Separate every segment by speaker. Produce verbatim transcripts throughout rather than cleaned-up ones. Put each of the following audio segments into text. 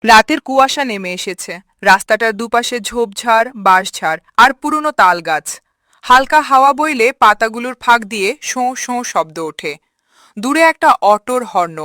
Speaker 1: রাতের কুয়াশা নেমে এসেছে। রাস্তাটার দুপাশে ঝোপঝাড়, বাঁশঝাড় আর পুরনো তাল গাছ। হালকা হাওয়া বইলে পাতাগুলোর ফাঁক দিয়ে শোঁ শোঁ শব্দ ওঠে। দূরে একটা অটোর হর্ন।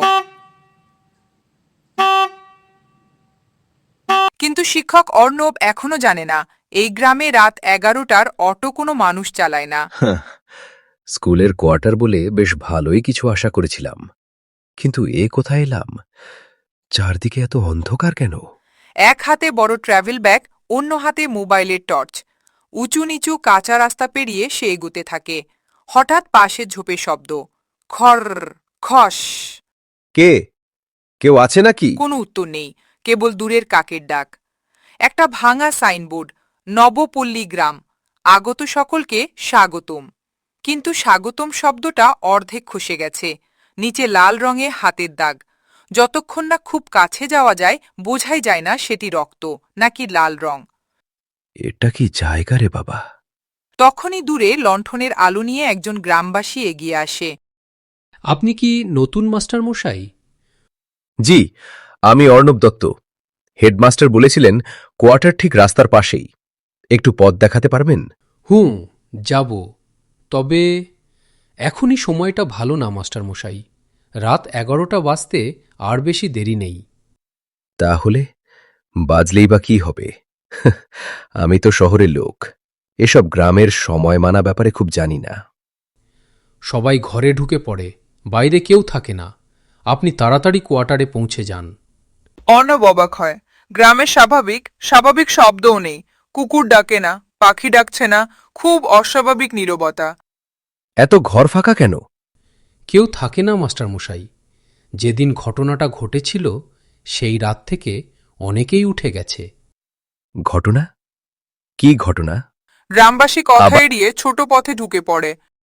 Speaker 1: কিন্তু শিক্ষক অর্ণব এখনো জানে না, এই গ্রামে রাত এগারোটার অটো কোনো মানুষ চালায় না।
Speaker 2: হাহ, স্কুলের কোয়ার্টার বলে বেশ ভালোই কিছু আশা করেছিলাম, কিন্তু এ কোথায় এলাম? চারদিকে এত অন্ধকার কেন?
Speaker 1: এক হাতে বড় ট্র্যাভেল ব্যাগ, অন্য হাতে মোবাইলের টর্চ। উঁচু নিচু কাঁচা রাস্তা পেরিয়ে সে এগুতে থাকে। হঠাৎ পাশে ঝোপে শব্দ। খর, খস।
Speaker 2: কে? কেউ আছে নাকি?
Speaker 1: কোনো উত্তর নেই, কেবল দূরের কাকের ডাক। একটা ভাঙা সাইনবোর্ড, নবপল্লী গ্রাম, আগত সকলকে স্বাগতম। কিন্তু স্বাগতম শব্দটা অর্ধেক খসে গেছে। নিচে লাল রঙে হাতের দাগ। যতক্ষণ না খুব কাছে যাওয়া যায়, বোঝাই যায় না সেটি রক্ত নাকি লাল রং।
Speaker 2: এটা কি জায়গা রে বাবা?
Speaker 1: তখনই দূরে লণ্ঠনের আলো নিয়ে একজন গ্রামবাসী এগিয়ে আসে।
Speaker 3: আপনি কি নতুন মাস্টার মশাই?
Speaker 2: জি, আমি অর্ণব দত্ত। হেডমাস্টার বলেছিলেন কোয়ার্টার ঠিক রাস্তার পাশেই। একটু পথ দেখাতে পারবেন?
Speaker 3: হুম, যাব। তবে এখনই সময়টা ভালো না মাস্টার মশাই। রাত এগারোটা বাজতে আর বেশি দেরি নেই।
Speaker 2: তাহলে বাজলেই বা কি হবে? আমি তো শহরের লোক, এসব গ্রামের সময় মানা ব্যাপারে খুব জানি না।
Speaker 3: সবাই ঘরে ঢুকে পড়ে, বাইরে কেউ থাকে না। আপনি তাড়াতাড়ি কোয়ার্টারে পৌঁছে যান।
Speaker 1: অর্ণব অবাক হয়। গ্রামের স্বাভাবিক স্বাভাবিক শব্দও নেই। কুকুর ডাকে না, পাখি ডাকছে না, খুব অস্বাভাবিক নীরবতা।
Speaker 2: এত ঘর ফাঁকা কেন?
Speaker 3: কেউ থাকে না মাস্টার মশাই। যেদিন ঘটনাটা ঘটেছিল সেই রাত থেকে অনেকেই উঠে গেছে।
Speaker 2: ঘটনা? কি ঘটনা?
Speaker 1: গ্রামবাসী কথা
Speaker 2: আবার-
Speaker 1: এড়িয়ে ছোট পথে ঢুকে পড়ে।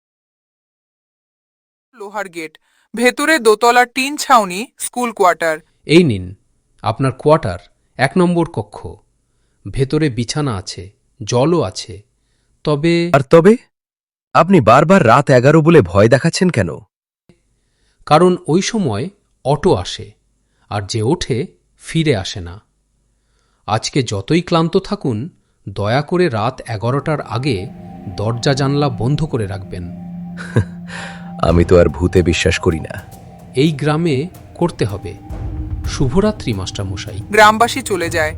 Speaker 1: লোহার গেট, ভেতরে দোতলার টিন ছাউনি, স্কুল কোয়ার্টার।
Speaker 3: এই নিন আপনার কোয়ার্টার, এক নম্বর কক্ষ। ভেতরে বিছানা আছে, জলও আছে। তবে
Speaker 2: আর তবে আপনি বারবার রাত এগারো বলে ভয় দেখাচ্ছেন কেন?
Speaker 3: কারণ ওই সময় অটো আসে, আর যে ওঠে ফিরে আসে না। আজকে যতই ক্লান্ত থাকুন, দয়া করে রাত এগারোটার আগে দরজা জানলা বন্ধ করে রাখবেন।
Speaker 2: আমি তো আর ভূতে বিশ্বাস করি না।
Speaker 3: এই গ্রামে করতে হবে। শুভরাত্রি মাস্টার মশাই।
Speaker 1: গ্রামবাসী চলে যায়।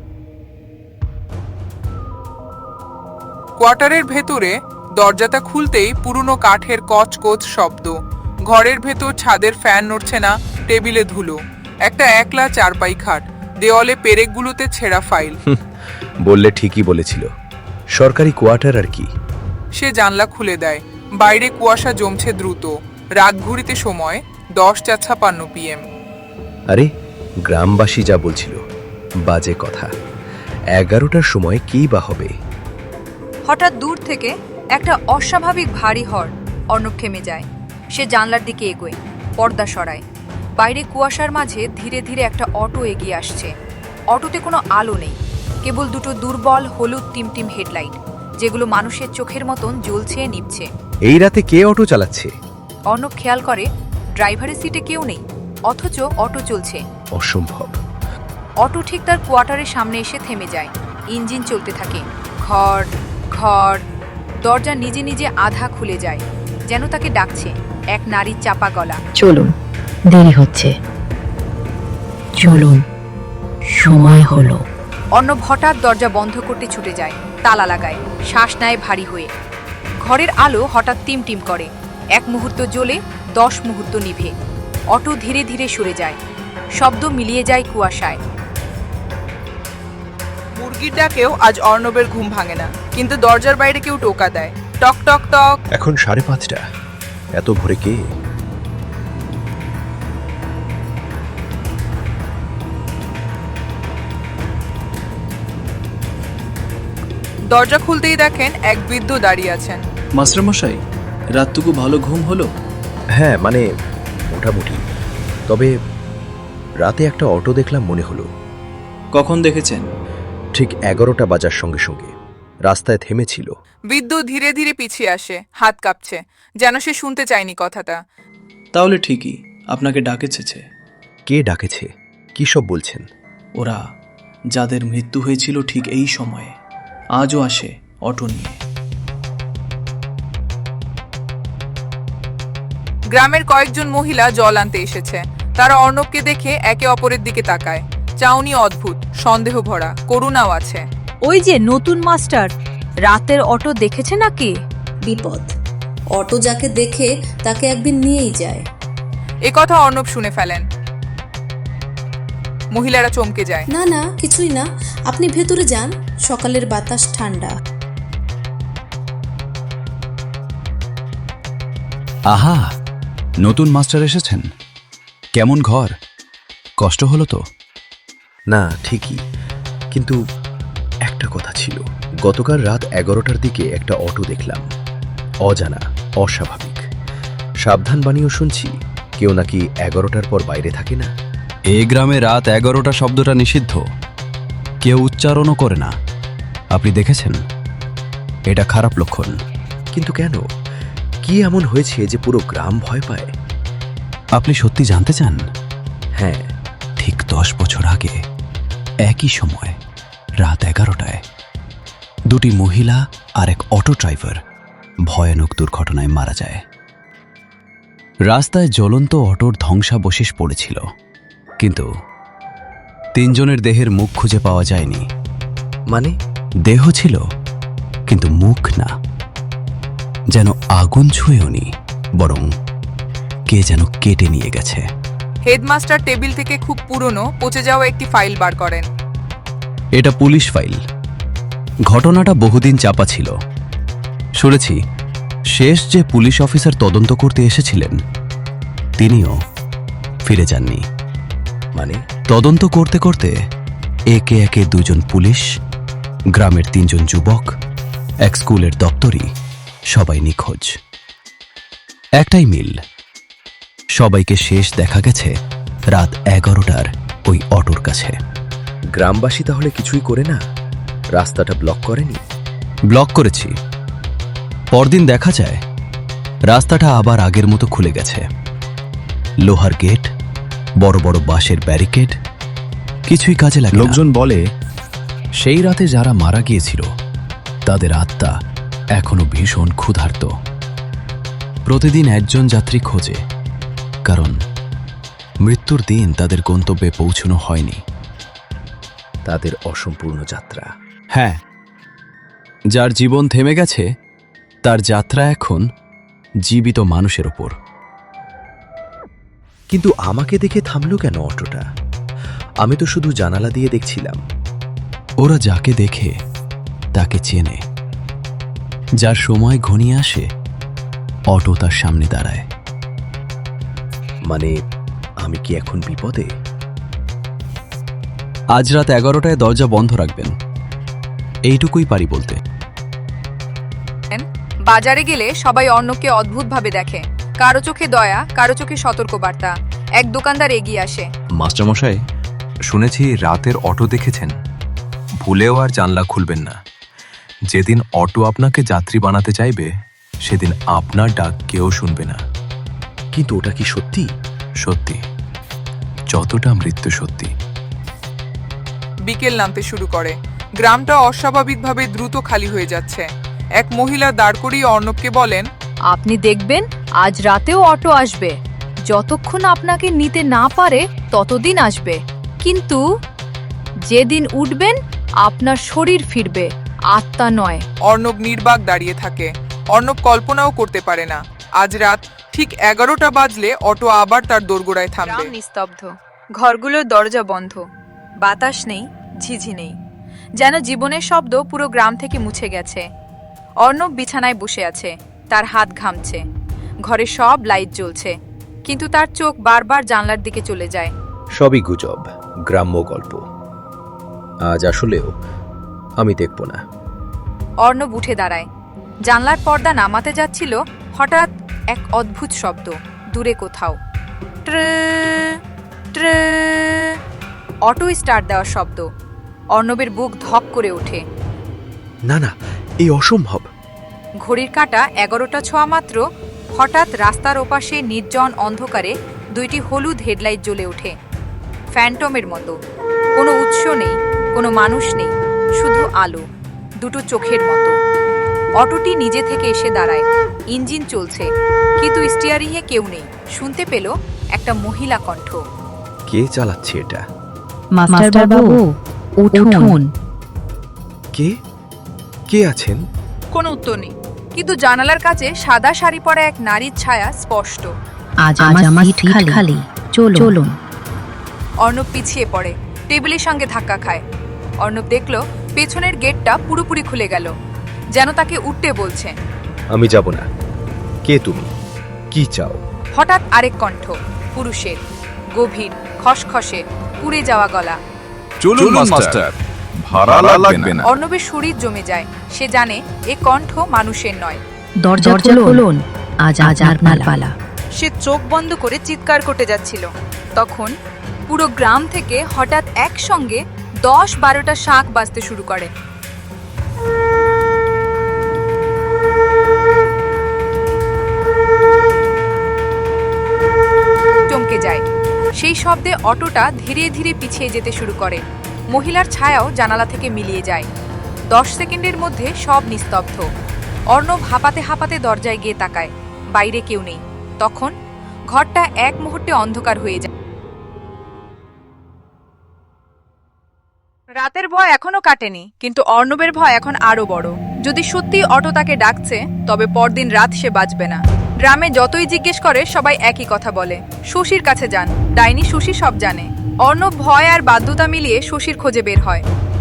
Speaker 1: কোয়ার্টারের ভেতরে দরজাটা খুলতেই পুরনো কাঠের কচকচ শব্দ। ঘরের ভেতর ছাদের ফ্যান নড়ছে না, টেবিলে ধুলো। একটা একলা চারপাই খাট, দেওয়ালে পেরেকগুলোতে ছেঁড়া ফাইল।
Speaker 2: বললে ঠিকই বলেছিল, সরকারি কোয়ার্টার আর কি।
Speaker 1: সে জানলা খুলে দেয়। বাইরে কুয়াশা জমছে দ্রুত। রাত ঘুরিতে সময় দশটা ছাপান্ন পিএম।
Speaker 2: আরে, গ্রামবাসী যা বলছিল বাজে কথা। এগারোটার সময় কি বা হবে?
Speaker 4: হঠাৎ দূর থেকে একটা অস্বাভাবিক ভারী হর্ন। অর্ণব থেমে যায়। সে জানলার দিকে এগোয়, পর্দা সরায়। বাইরে কুয়াশার মাঝে ধীরে ধীরে একটা অটো এগিয়ে আসছে। অটোতে কোনো আলো নেই, কেবল দুটো দুর্বল হলুদ টিমটিম হেডলাইট, যেগুলো মানুষের চোখের মতন জ্বলছে নিভছে।
Speaker 2: এই রাতে কে অটো চালাচ্ছে?
Speaker 4: অর্ণব খেয়াল করে ড্রাইভারের সিটে কেউ নেই, অথচ অটো চলছে।
Speaker 2: অসম্ভব।
Speaker 4: অটো ঠিক তার কোয়ার্টারের সামনে এসে থেমে যায়। ইঞ্জিন চলতে থাকে। ঘর ঘর। দরজা নিজে নিজে আধা খুলে যায়, যেন তাকে ডাকছে এক নারীর চাপা গলা।
Speaker 5: চলুন, দেরি হচ্ছে। চলুন, সময় হলো।
Speaker 4: অর্ণব হঠাৎ দরজা বন্ধ করতে ছুটে যায়, তালা লাগায়, শ্বাস নেয় ভারী হয়ে। ঘরের আলো হঠাৎ টিম টিম করে। এক মুহূর্ত জ্বলে, দশ মুহূর্ত নিভে। অটো ধীরে ধীরে সরে যায়, শব্দ মিলিয়ে যায় কুয়াশায়।
Speaker 1: মুরগির ডাকেও আজ অর্ণবের ঘুম ভাঙে না। কিন্তু দরজার বাইরে কেউ টোকা দেয়, টক টক টক।
Speaker 2: এখন সাড়ে পাঁচটা, এত ভোরে কে?
Speaker 1: দরজা খুলতেই দেখেন এক বৃদ্ধ দাঁড়িয়ে আছেন।
Speaker 6: মাস্টারমশাই, রাতটুকু ভালো ঘুম হলো?
Speaker 2: হ্যাঁ, মানে মোটামুটি। তবে রাতে একটা অটো দেখলাম মনে হলো।
Speaker 6: কখন দেখেছেন?
Speaker 2: ঠিক এগারোটা বাজার সঙ্গে সঙ্গে রাস্তায় থেমেছিল।
Speaker 1: বৃদ্ধ ধীরে ধীরে পিছিয়ে আসে, হাত কাঁপছে, যেন সে শুনতে চায়নি কথাটা।
Speaker 6: তাহলে ঠিকই, আপনাকে ডাকেছে।
Speaker 2: কে ডাকেছে? কি সব বলছেন?
Speaker 6: ওরা যাদের মৃত্যু হয়েছিল ঠিক এই সময়ে আজও আসে অটো নিয়ে।
Speaker 1: গ্রামের কয়েকজন মহিলা জল আনতে এসেছে। তারা অর্ণবকে দেখে একে অপরের দিকে তাকায়। চাউনি অদ্ভুত, সন্দেহ ভরা, করুণাও আছে।
Speaker 7: ওই যে নতুন মাস্টার, রাতের অটো দেখেছে নাকি?
Speaker 8: বিপদ। অটো যাকে দেখে তাকে একদিন নিয়েই যায়।
Speaker 1: এ কথা অর্ণব শুনে ফেলেন। মহিলারা চমকে যায়।
Speaker 8: না না, কিছুই না, আপনি ভেতরে যান, সকালের বাতাস ঠান্ডা।
Speaker 9: আহা, নতুন মাস্টার এসেছেন। কেমন ঘর? কষ্ট হলো তো?
Speaker 2: না, ঠিকই, কিন্তু একটা কথা ছিল। গতকাল রাত এগারোটার দিকে একটা অটো দেখলাম। অজানা, অস্বাভাবিক। সাবধান বাণীও শুনছি, কেউ নাকি এগারোটার পর বাইরে থাকে না।
Speaker 9: এ গ্রামে রাত এগারোটা শব্দটা নিষিদ্ধ, কেউ উচ্চারণও করে না। আপনি দেখেছেন? এটা খারাপ লক্ষণ।
Speaker 2: কিন্তু কেন? কি এমন হয়েছে যে পুরো গ্রাম ভয় পায়?
Speaker 9: আপনি সত্যি জানতে চান?
Speaker 2: হ্যাঁ।
Speaker 9: ঠিক দশ বছর আগে একই সময় রাত এগারোটায় দুটি মহিলা আর এক অটো ড্রাইভার ভয়ানক দুর্ঘটনায় মারা যায়। রাস্তায় জ্বলন্ত অটোর ধ্বংসাবশেষ পড়েছিল, কিন্তু তিনজনের দেহের মুখ খুঁজে পাওয়া যায়নি।
Speaker 2: মানে?
Speaker 9: দেহ ছিল কিন্তু মুখ না, যেন আগুন ছুঁয়েওনি, বরং কে যেন কেটে নিয়ে গেছে।
Speaker 1: হেডমাস্টার টেবিল থেকে খুব পুরনো পচে যাওয়া একটি ফাইল বার করেন।
Speaker 9: এটা পুলিশ ফাইল। ঘটনাটা বহুদিন চাপা ছিল। শুনেছি শেষ যে পুলিশ অফিসার তদন্ত করতে এসেছিলেন তিনিও ফিরে যাননি।
Speaker 2: মানে?
Speaker 9: তদন্ত করতে করতে একে একে দুজন পুলিশ, গ্রামের তিনজন যুবক, এক স্কুলের দপ্তরি, সবাই নিখোঁজ। একটাই মিল, সবাইকে শেষ দেখা গেছে রাত এগারোটার ওই অটোর কাছে।
Speaker 2: গ্রামবাসী তাহলে কিছুই করে না? রাস্তাটা ব্লক করেনি?
Speaker 9: ব্লক করেছি। পরদিন দেখা যায় রাস্তাটা আবার আগের মতো খুলে গেছে। লোহার গেট, বড় বড় বাঁশের ব্যারিকেড, কিছুই কাজে লাগে না। লোকজন বলে সেই রাতে যারা মারা গিয়েছিল তাদের আত্মা এখনো ভীষণ ক্ষুধার্ত। প্রতিদিন একজন যাত্রী খোঁজে, কারণ মৃত্যুর দিন তাদের গন্তব্যে পৌঁছানো হয়নি।
Speaker 2: তাদের অসম্পূর্ণ যাত্রা।
Speaker 9: হ্যাঁ, যার জীবন থেমে গেছে তার যাত্রা এখন জীবিত মানুষের ওপর।
Speaker 2: কিন্তু আমাকে দেখে থামলো কেন অটোটা? আমি তো শুধু জানালা দিয়ে দেখছিলাম।
Speaker 9: ওরা যাকে দেখে তাকে চেনে। যার সময় ঘনিয়ে আসে অটো তার সামনে দাঁড়ায়।
Speaker 2: মানে আমি কি এখন বিপদে?
Speaker 9: আজ রাত এগারোটায় দরজা বন্ধ রাখবেন, এইটুকুই পারি বলতে।
Speaker 4: বাজারে গেলে সবাই অর্ণবকে অদ্ভুতভাবে দেখে। কারো চোখে দয়া, কারো চোখে সতর্কবার্তা। এক দোকানদার এগিয়ে আসে।
Speaker 10: মাস্টারমশাই, শুনেছি রাতের অটো দেখেছেন। ভুলেও আর জানলা খুলবেন না। যেদিন অটো আপনাকে যাত্রী বানাতে চাইবে সেদিন আপনার ডাক কেউ শুনবে না।
Speaker 2: কিন্তু ওটা কি সত্যি?
Speaker 10: সত্যি, যতটা মৃত্যু সত্যি।
Speaker 1: বিকেল নামতে শুরু করে। গ্রামটা অস্বাভাবিকভাবে দ্রুত খালি হয়ে যাচ্ছে। এক মহিলা দাঁড় করিয়ে অর্ণবকে বলেন,
Speaker 7: আপনি দেখবেন আজ রাতেও অটো আসবে। যতক্ষণ আপনাকে নিতে না পারে ততদিন আসবে, কিন্তু যেদিন উঠবেন আপনার শরীর ফিরবে, আত্মা নয়।
Speaker 1: অর্ণব নির্বাক দাঁড়িয়ে থাকে। অর্ণব কল্পনাও করতে পারে না আজ রাত ঠিক এগারোটা বাজলে অটো আবার তার দোরগোড়ায় থামবে।
Speaker 4: গ্রাম নিস্তব্ধ, ঘরগুলোর দরজা বন্ধ, বাতাস নেই, ঝিঝি নেই, যেন জীবনের শব্দ পুরো গ্রাম থেকে মুছে গেছে। অর্ণব বিছানায় বসে আছে, তার হাত ঘামছে। ঘরে সব লাইট জ্বলছে, কিন্তু তার চোখ বারবার জানলার দিকে চলে যায়।
Speaker 2: সবই গুজব, গ্রাম্য গল্প। আজ আসলেও আমি দেখব না।
Speaker 4: অর্ণব উঠে দাঁড়ায়। জানলার পর্দা নামাতে যাচ্ছিল, হঠাৎ এক অদ্ভুত শব্দ দূরে কোথাও। ট্রে ট্রে অটো স্টার্ট দেওয়ার শব্দ। অর্ণবের বুক ধক করে ওঠে।
Speaker 2: না না, এই অসম্ভব।
Speaker 4: ঘড়ির কাঁটা এগারোটা ছোঁয়া মাত্র হঠাৎ রাস্তার ওপাশে নির্জন অন্ধকারে দুইটি হলুদ হেডলাইট জ্বলে ওঠে, ফ্যান্টমের মতো। কোনো উৎস উৎস নেই, কোনো মানুষ নেই, শুধু আলো, দুটো চোখের মতো। অটোটি নিজে থেকে এসে দাঁড়ায়, ইঞ্জিন চলছে, কিন্তু স্টিয়ারিংয়ে কেউ নেই। শুনতে পেল একটা মহিলা কণ্ঠ।
Speaker 2: কে চালাচ্ছে এটা?
Speaker 5: মাস্টার বাবু, উঠুন।
Speaker 2: কে কে আছেন?
Speaker 4: কোনো উত্তর নেই, কিন্তু জানালার কাছে সাদা শাড়ি পরা এক নারীর ছায়া স্পষ্ট।
Speaker 5: আজ আমার সিট খালি, চলুন।
Speaker 4: অর্ণব পিছিয়ে পড়ে, টেবিলের সঙ্গে ধাক্কা খায়। অর্ণব দেখল পেছনের গেটটা পুরোপুরি খুলে গেল, যেন তাকে উঠতে বলছে।
Speaker 2: আমি যাব না। কে তুমি? কি চাও?
Speaker 4: হঠাৎ আরেক কণ্ঠ, পুরুষের, গভীর, খসখসে, পুড়ে যাওয়া গলা।
Speaker 10: চলুন মাস্টার, ভাড়া লাগবে না।
Speaker 4: অর্ণবের শরীর জমে যায়, সে জানে এ কণ্ঠ মানুষের নয়।
Speaker 5: দরজা খুলুন, আজ আজ আপনার পালা।
Speaker 4: সে চোখ বন্ধ করে চিৎকার করতে যাচ্ছিল, তখন পুরো গ্রাম থেকে হঠাৎ একসঙ্গে দশ বারোটা শাঁখ বাজতে শুরু করে। চমকে যায়, সেই শব্দে অটোটা ধীরে ধীরে পিছিয়ে যেতে শুরু করে। মহিলার ছায়াও জানালা থেকে মিলিয়ে যায়। দশ সেকেন্ডের মধ্যে সব নিস্তব্ধ। অর্ণব হাঁপাতে হাঁপাতে দরজায় গিয়ে তাকায়, বাইরে কেউ নেই। তখন ঘরটা এক মুহূর্তে অন্ধকার হয়ে যায়। রাতের ভয় এখনো কাটেনি, কিন্তু অর্ণবের ভয় এখন আরো বড়। যদি সত্যি অটো তাকে ডাকছে, তবে পরদিন রাত সে বাঁচবে না। গ্রামে যতই জিজ্ঞেস করে সবাই একই কথা বলে, শশীর কাছে যান, ডাইনি শশী সব জানে। অর্ণব ভয় আর বাধ্যতা মিলিয়ে শশীর খোঁজে বের হয়।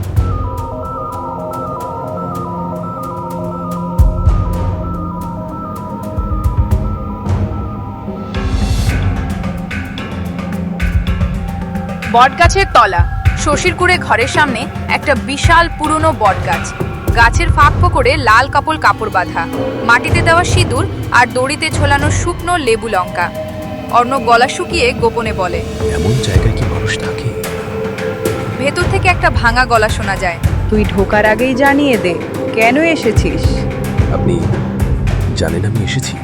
Speaker 4: বটগাছের তলা, শশীরকুড়ে ঘরের সামনে একটা বিশাল পুরনো বটগাছ। গাছের ফাঁক করে লাল কাপড় কাপড় বাঁধা, মাটিতে দেওয়া সিঁদুর আর দড়িতে ঝোলানো শুকনো লেবু লঙ্কা। অর্ণব গলা শুকিয়ে গোপনে বলে,
Speaker 2: এমন জায়গায় কি মানুষ থাকে?
Speaker 4: ভেতর থেকে একটা ভাঙা গলা শোনা যায়,
Speaker 1: তুই ঢোকার আগেই জানিয়ে দে কেন এসেছিস।
Speaker 2: আপনি জানেন আমি এসেছি?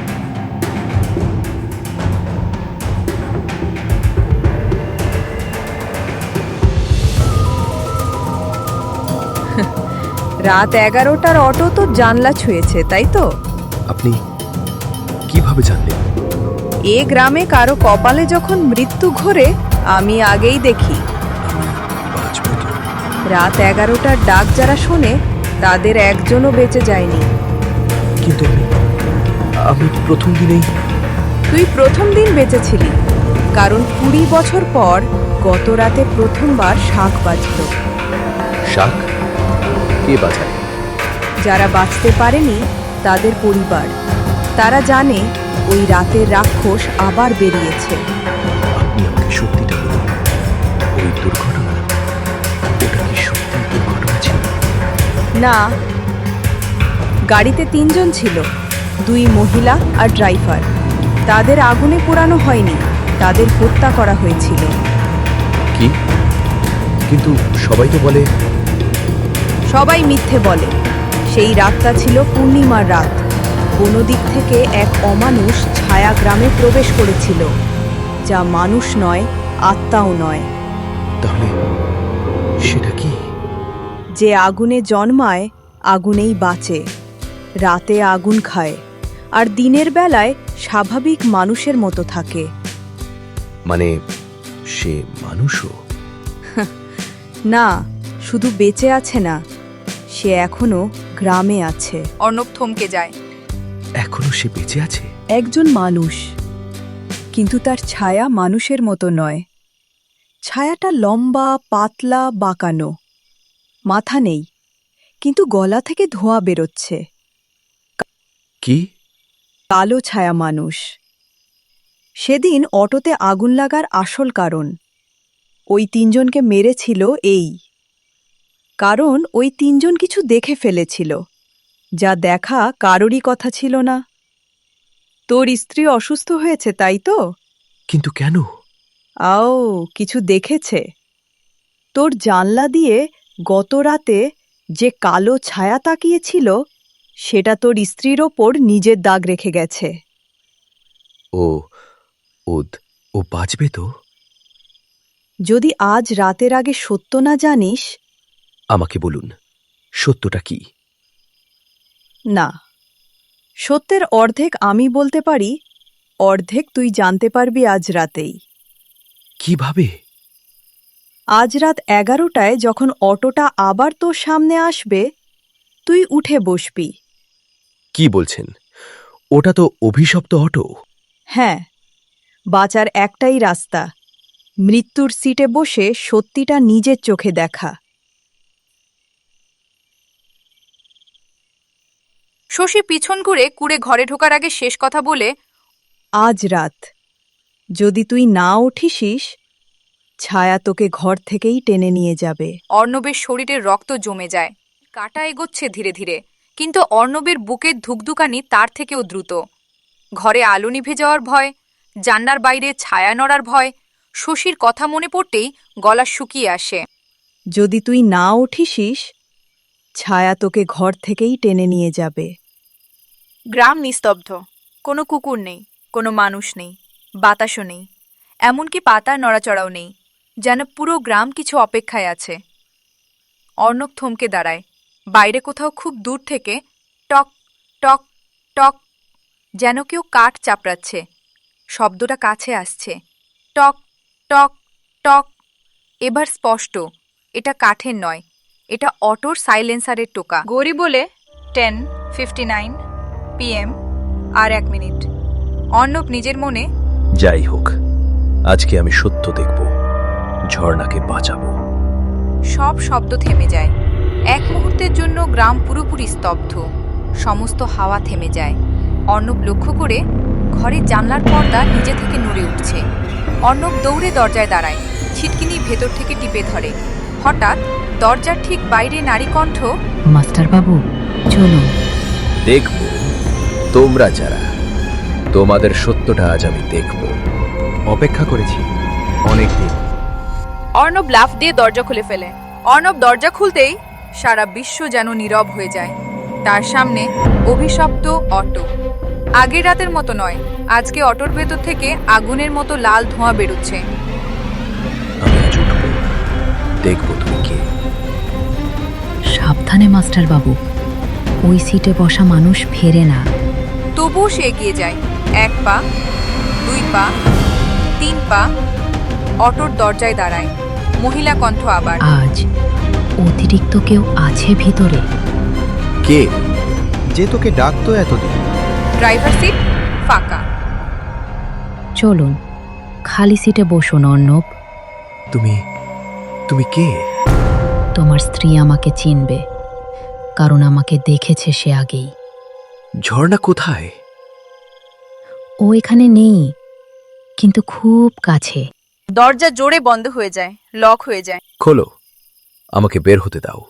Speaker 1: রাত এগারোটার অটো তো জানলা ছুঁয়েছে, তাই তো?
Speaker 2: আপনি কিভাবে জানলেন?
Speaker 1: এ গ্রামে কারো কপালে যখন মৃত্যু ঘোরে আমি আগেই দেখি।
Speaker 2: বাঁচব তো?
Speaker 1: রাত এগারোটার ডাক যারা শোনে তাদের একজনও বেঁচে যায়নি।
Speaker 2: কিন্তু আমি আমি প্রথম দিনেই।
Speaker 1: তুই প্রথম দিন বেঁচেছিলি, কারণ কুড়ি বছর পর গত রাতে প্রথমবার শাঁখ বাজল।
Speaker 2: শাক কে বাজায়?
Speaker 1: যারা বাঁচতে পারেনি তাদের পরিবার। তারা জানে ওই রাতের রাক্ষস আবার বেরিয়েছে।
Speaker 2: আপনি আমাকে সত্যিটা বলুন, ওই দুর্ঘটনা, ওটা কি সত্যি দুর্ঘটনা ছিল?
Speaker 1: না, গাড়িতে তিনজন ছিল, দুই মহিলা আর ড্রাইভার। তাদের আগুনে পোড়ানো হয়নি, তাদের হত্যা করা হয়েছিল।
Speaker 2: কি? কিন্তু সবাই তো বলে।
Speaker 1: সবাই মিথ্যে বলে। সেই রাতটা ছিল পূর্ণিমার রাত। কোনো দিক থেকে এক অমানুষ ছায়া গ্রামে প্রবেশ করেছিল, যা মানুষ নয়, আত্মাও নয়।
Speaker 2: তাহলে সেটা কি?
Speaker 1: যে আগুনে জন্মায় আগুনেই বাঁচে, রাতে আগুন খায়, আর দিনের বেলায় স্বাভাবিক মানুষের মতো থাকে।
Speaker 2: মানে সে মানুষও?
Speaker 1: না, শুধু বেঁচে আছে না, সে এখনো গ্রামে আছে।
Speaker 4: অর্ণব থমকে যায়।
Speaker 2: এখনো সে বেঁচে আছে?
Speaker 1: একজন মানুষ, কিন্তু তার ছায়া মানুষের মতো নয়। ছায়াটা লম্বা, পাতলা, বাঁকানো। মাথা নেই, কিন্তু গলা থেকে ধোঁয়া বেরোচ্ছে।
Speaker 2: কি?
Speaker 1: কালো ছায়া মানুষ। সেদিন অটোতে আগুন লাগার আসল কারণ ওই তিনজনকে মেরেছিল এই, কারণ ওই তিনজন কিছু দেখে ফেলেছিল, যা দেখা কারোরই কথা ছিল না। তোর স্ত্রী অসুস্থ হয়েছে, তাই তো?
Speaker 2: কিন্তু কেন?
Speaker 1: আও, কিছু দেখেছে। তোর জানলা দিয়ে গত রাতে যে কালো ছায়া তাকিয়েছিল, সেটা তোর স্ত্রীর ওপর নিজের দাগ রেখে গেছে।
Speaker 2: ও ও ও বাঁচবে তো?
Speaker 11: যদি আজ রাতের আগে সত্য না জানিস,
Speaker 2: আমাকে বলুন, সত্যটা কি?
Speaker 11: না, সত্যের অর্ধেক আমি বলতে পারি, অর্ধেক তুই জানতে পারবি আজ রাতেই।
Speaker 2: কিভাবে?
Speaker 11: আজ রাত এগারোটায় যখন অটোটা আবার তোর সামনে আসবে, তুই উঠে বসবি।
Speaker 2: কি বলছেন? ওটা তো অভিশপ্ত অটো।
Speaker 11: হ্যাঁ, বাঁচার একটাই রাস্তা, মৃত্যুর সিটে বসে সত্যিটা নিজের চোখে দেখা।
Speaker 4: শশী পিছন ঘুরে কুড়ে ঘরে ঢোকার আগে শেষ কথা বলে,
Speaker 11: আজ রাত যদি তুই না উঠিসিস, ছায়া তোকে ঘর থেকেই টেনে নিয়ে যাবে।
Speaker 4: অর্ণবের শরীরে রক্ত জমে যায়, কাটা এগোচ্ছে ধীরে ধীরে, কিন্তু অর্ণবের বুকের ধুকধুকানি তার থেকেও দ্রুত। ঘরে আলো নিভে যাওয়ার ভয়, জান্নার বাইরে ছায়া নড়ার ভয়, শশীর কথা মনে পড়তেই গলা শুকিয়ে আসে।
Speaker 11: যদি তুই না উঠিসিস, ছায়া তোকে ঘর থেকেই টেনে নিয়ে যাবে।
Speaker 7: গ্রাম নিস্তব্ধ, কোনো কুকুর নেই, কোনো মানুষ নেই, বাতাসও নেই, এমনকি পাতার নড়াচড়াও নেই, যেন পুরো গ্রাম কিছু অপেক্ষায় আছে। অর্ণব থমকে দাঁড়ায়। বাইরে কোথাও খুব দূর থেকে টক টক টক, যেন কেউ কাঠ চাপড়াচ্ছে। শব্দটা কাছে আসছে, টক টক টক। এবার স্পষ্ট, এটা কাঠের নয়, এটা অটোর সাইলেন্সারের টোকা। গড়ি বলে টেন ফিফটি নাইন পিএম, আর এক মিনিট। অর্ণব নিজের মনে,
Speaker 2: যাই হোক, আজকে আমি সত্য দেখব, ঝর্ণাকে বাঁচাবো।
Speaker 4: সব শব্দ থেমে যায়। এক মুহূর্তের জন্য গ্রাম পুরোপুরি স্তব্ধ, সমস্ত হাওয়া থেমে যায়। অর্ণব লক্ষ্য করে ঘরের জানলার পর্দা নিজে থেকে নড়ে উঠছে। অর্ণব দৌড়ে দরজায় দাঁড়ায়, ছিটকিনি ভেতর থেকে টিপে ধরে। হঠাৎ দরজার ঠিক বাইরে নারী কণ্ঠ,
Speaker 5: মাস্টারবাবু চলুন।
Speaker 2: দেখব তোমরা যারা, তোমাদের সত্যটা আজ আমি দেখব। অপেক্ষা করেছি অনেক দিন।
Speaker 4: অর্ণব লাফ দিয়ে দরজা খুলে ফেলে। অর্ণব দরজা খুলতেই সারা বিশ্ব যেন নীরব হয়ে যায়। তার সামনে অভিশপ্ত অটো। আগের রাতের মতো নয়, আজকে অটোর ভেতর থেকে আগুনের মতো লাল ধোঁয়া বেরোচ্ছে।
Speaker 2: আমি আজ উঠব, দেখব তুমি কে।
Speaker 5: সাবধানে মাস্টারবাবু, ওই সিটে বসা মানুষ ফেরে না।
Speaker 4: তবুও সে এগিয়ে যায়। এক পা, দুই পা, তিন পা। অটোর দরজায় দাঁড়ায়। মহিলা কণ্ঠ আবার,
Speaker 5: আজ অতিরিক্ত কেউ আছে ভিতরে।
Speaker 2: কে? যে তোকে ডাকতো এতদিন।
Speaker 4: ড্রাইভার সিট ফাঁকা।
Speaker 5: চলুন, খালি সিটে বসুন অর্ণব।
Speaker 2: তুমি তুমি কে?
Speaker 5: তোমার স্ত্রী আমাকে চিনবে, কারণ আমাকে দেখেছে সে আগেই।
Speaker 2: ঝর্ণা কোথায়?
Speaker 5: ও এখানে নেই, কিন্তু খুব কাছে।
Speaker 7: দরজা জোরে বন্ধ হয়ে যায়, লক হয়ে যায়।
Speaker 2: খোলো, আমাকে বের হতে দাও।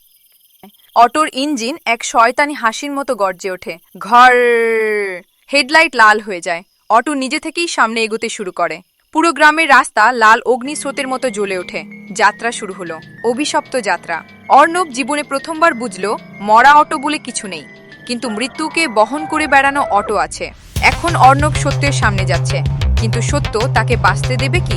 Speaker 4: অটোর ইঞ্জিন এক শয়তানি হাসির মতো গর্জে ওঠে। ঘর। হেডলাইট লাল হয়ে যায়। অটো নিজে থেকেই সামনে এগোতে শুরু করে। পুরো গ্রামের রাস্তা লাল অগ্নিস্রোতের মতো জ্বলে ওঠে। যাত্রা শুরু হলো, অভিশপ্ত যাত্রা। অর্ণব জীবনে প্রথমবার বুঝল, মরা অটো বলে কিছু নেই, কিন্তু মৃত্যুকে বহন করে বেড়ানো অটো আছে। এখন অর্ণব সত্যের সামনে যাচ্ছে, কিন্তু সত্য তাকে বাঁচতে দেবে কি?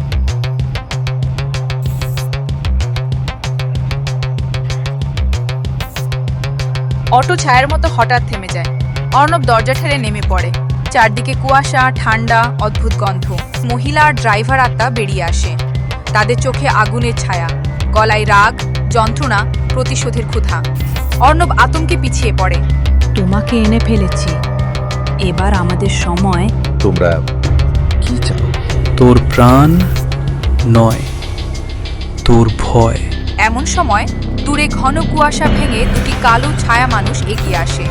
Speaker 4: অটো ছায়ার মতো হঠাৎ থেমে যায়। অর্ণব দরজা ঠেলে নেমে পড়ে। চারদিকে কুয়াশা, ঠান্ডা, অদ্ভুত গন্ধ। মহিলা আর ড্রাইভার আত্মা বেরিয়ে আসে। তাদের চোখে আগুনের ছায়া, গলায় রাগ, যন্ত্রণা, প্রতিশোধের ক্ষুধা। অর্ণব আতঙ্কে পিছিয়ে পড়ে।
Speaker 11: তোমাকে এনে ফেলেছি, এবার আমাদের সময়।
Speaker 2: তোমরা কি চাও?
Speaker 6: তোর প্রাণ নয়, তোর ভয়।
Speaker 4: এমন সময় দূরে ঘন কুয়াশা ভেঙে দুটি কালো ছায়া মানুষ এগিয়ে আসে।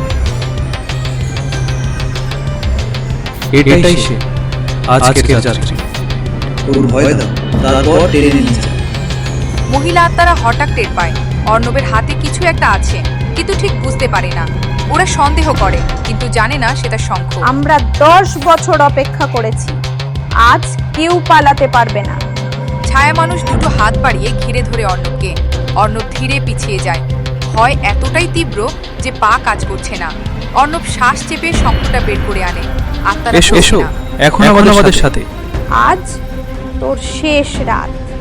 Speaker 6: এটাই সে, আজকের যাত্রী।
Speaker 12: ওর ভয় দাও, তারপর টেনে নিয়ে যাও।
Speaker 4: মহিলা আত্মারা হঠাৎ টের পায় অর্ণবের হাতে কিছু একটা আছে, কিন্তু ঠিক বুঝতে পারে না। ওরা সন্দেহ করে, কিন্তু জানে না সেটা শঙ্খ।
Speaker 13: আমরা দশ বছর অপেক্ষা করেছি, আজ কেউ পালাতে পারবে না।
Speaker 4: ছায়া মানুষ দুটো হাত বাড়িয়ে ঘিরে ধরে অর্ণবকে। অর্ণব ধীরে পিছিয়ে যায়। ভয় এতটাই তীব্র যে পা কাজ করছে না। অর্ণব শ্বাস চেপে শঙ্খটা বের করে আনে। আত্মারা
Speaker 6: এসো এসো, এখন আমাদের সাথে।
Speaker 13: আজ তোর শেষ রাত।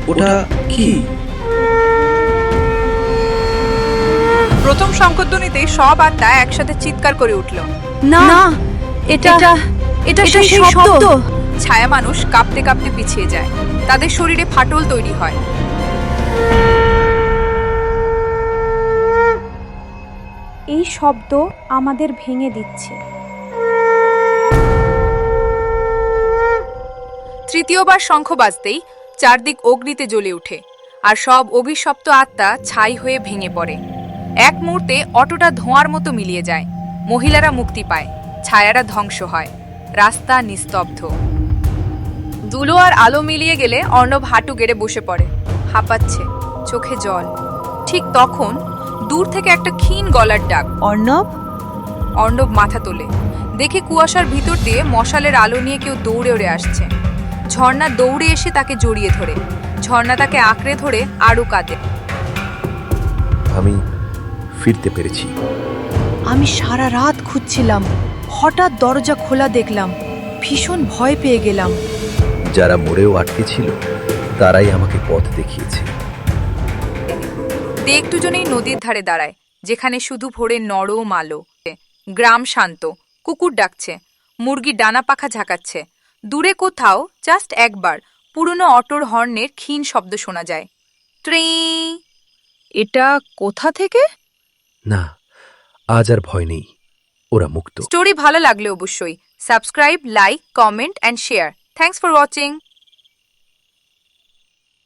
Speaker 12: ওটা কি?
Speaker 1: প্রথম শঙ্খধ্বনিতে সব আত্মা একসাথে চিৎকার করে উঠল।
Speaker 7: না এটা এটা সেই শব্দ।
Speaker 4: ছায়া মানুষ কাঁপতে কাঁপতে পিছিয়ে যায়, তাদের শরীরে ফাটল তৈরি হয়।
Speaker 13: এই শব্দ আমাদের ভেঙে দিচ্ছে।
Speaker 4: তৃতীয়বার শঙ্খ বাজতেই চারদিক অগ্নিতে জ্বলে ওঠে, আর সব অভিশপ্ত আত্মা ছাই হয়ে ভেঙে পড়ে। এক মুহূর্তে অটোটা ধোঁয়ার মতো মিলিয়ে যায়, মহিলারা মুক্তি পায়, ছায়ারা ধ্বংস হয়, রাস্তা নিস্তব্ধ। দুলো আর আলো মিলিয়ে গেলে অর্ণব হাঁটু গেড়ে বসে পড়ে, হাঁপাচ্ছে, চোখে জল। ঠিক তখন দূর থেকে একটা ক্ষীণ গলার ডাক,
Speaker 11: অর্ণব।
Speaker 4: অর্ণব মাথা তোলে, দেখে কুয়াশার ভিতর দিয়ে মশালের আলো নিয়ে কেউ দৌড়ে উড়ে আসছে। ঝর্ণা দৌড়ে এসে তাকে জড়িয়ে ধরে, ঝর্ণা তাকে আঁকড়ে ধরে আরও কাঁদে।
Speaker 2: আমি ফিরতে পেরেছি।
Speaker 11: আমি সারা রাত খুঁজছিলাম, হঠাৎ দরজা খোলা দেখলাম, ভীষণ ভয় পেয়ে গেলাম।
Speaker 2: যারা মোড়েও আটকে ছিল তারাই আমাকে পথ দেখিয়েছে।
Speaker 4: দে একটু জনেই নদীর ধারে দাঁড়ায়, যেখানে শুধু ভোরে নরম আলো। গ্রাম শান্ত, কুকুর ডাকছে, মুরগি ডানা পাখা ঝাঁকাচ্ছে। দূরে কোথাও জাস্ট একবার পুরনো অটোর হর্নের ক্ষীণ শব্দ শোনা যায়। ট্রি।
Speaker 11: এটা কোথা থেকে?
Speaker 2: না, আজ আর ভয় নেই, ওরা মুক্ত।
Speaker 4: স্টোরি ভালো লাগলে অবশ্যই subscribe, like, comment and share. Thanks for watching.